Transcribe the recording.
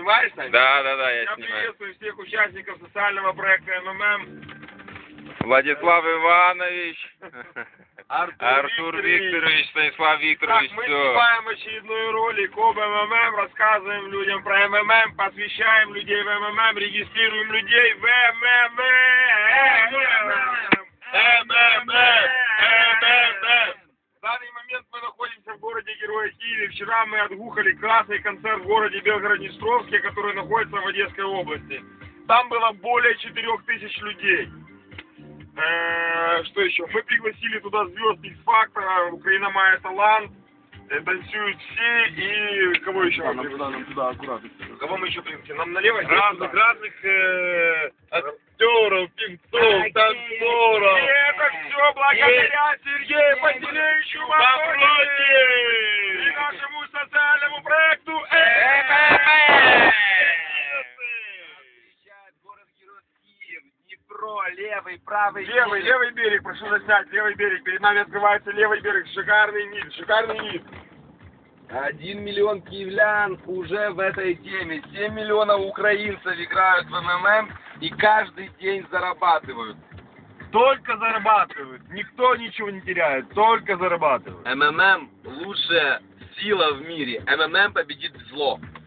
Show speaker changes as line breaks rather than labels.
снимаешь, Сань?
Да, я
Я
снимаю.
приветствую всех участников социального проекта МММ.
Владислав Иванович, Артур
Викторович.
Викторович, Станислав Викторович,
Так, мы
все.
снимаем очередной ролик об МММ, рассказываем людям про МММ, посвящаем людей в МММ, регистрируем людей в МММ. В данный момент мы находимся в городе Героя Киеве. Вчера мы отгухали красный концерт в городе Белгород-Днестровске, который находится в Одесской области. Там было более 4000 людей. Что еще? Мы пригласили туда звезд X-Factor, Украина Мая Талант, танцуют все и кого еще?
Нам туда аккуратно.
Кого мы еще пригласили? Нам налево?
Разных актеров, певцов, танцоров.
И это все благодаря Сергею Пантелеевичу Мавроди и нашему социальному проекту МММ.
Левый, правый.
Левый берег, прошу заснять, левый берег. Перед нами открывается левый берег. Шикарный вид.
1 миллион киевлян уже в этой теме. 7 миллионов украинцев играют в МММ и каждый день зарабатывают.
Только зарабатывают. Никто ничего не теряет, только зарабатывают.
МММ лучшая сила в мире. МММ победит зло.